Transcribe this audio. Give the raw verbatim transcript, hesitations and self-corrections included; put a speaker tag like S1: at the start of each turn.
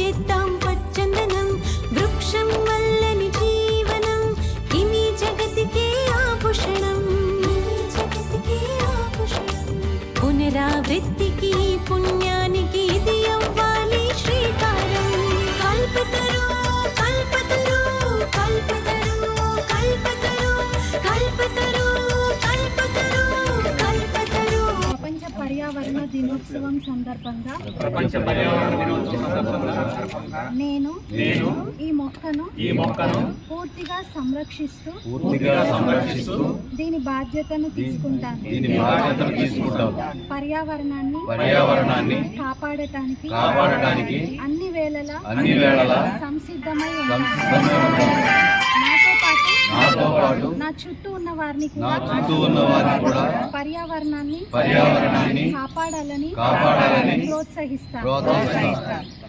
S1: చేద్దాం పచ్చందనం, వృక్షం వల్లని జీవనం, ఇమి జగతికే ఆభూషణం, జగతికే ఆభూషణం. పునరావృత్తికి పుణ్యానికి ఇది అవ్వాలి శ్రీకారం. కల్పతరు కల్పతరు కల్పతరు కల్పతరు కల్పతరు కల్పతరు కల్పతరు.
S2: ప్రపంచ పర్యావరణ దినోత్సవం సందర్భంగా
S3: ప్రపంచ పర్యావరణ దినోత్సవం సందర్భంగా
S2: నేను
S3: నేను
S2: ఈ మొక్కను
S3: ఈ మొక్కను
S2: పూర్తిగా సంరక్షిస్తూ
S3: పూర్తిగా సంరక్షిస్తూ
S2: దీని బాధ్యతను తీసుకుంటాను.
S3: దీని బాధ్యతను తీసుకుంటాం.
S2: పర్యావరణాన్ని
S3: పర్యావరణాన్ని
S2: కాపాడటానికి
S3: కాపాడటానికి
S2: అన్ని వేళలా
S3: అన్ని వేళలా
S2: సంసిద్ధమై ఉంటాను.
S3: సంసిద్ధంగా ఉంటాం.
S2: నాతో పాటు
S3: నాతో పాటు
S2: నా చుట్టూ ఉన్న వారిని
S3: నా
S2: కూడా
S3: చుట్టూ ఉన్న వారిని కూడా
S2: పర్యావరణాన్ని
S3: పర్యావరణాన్ని
S2: కాపాడాలని
S3: కాపాడాలని
S2: ప్రోత్సహిస్తాను.
S3: ప్రోత్సహిస్తాను.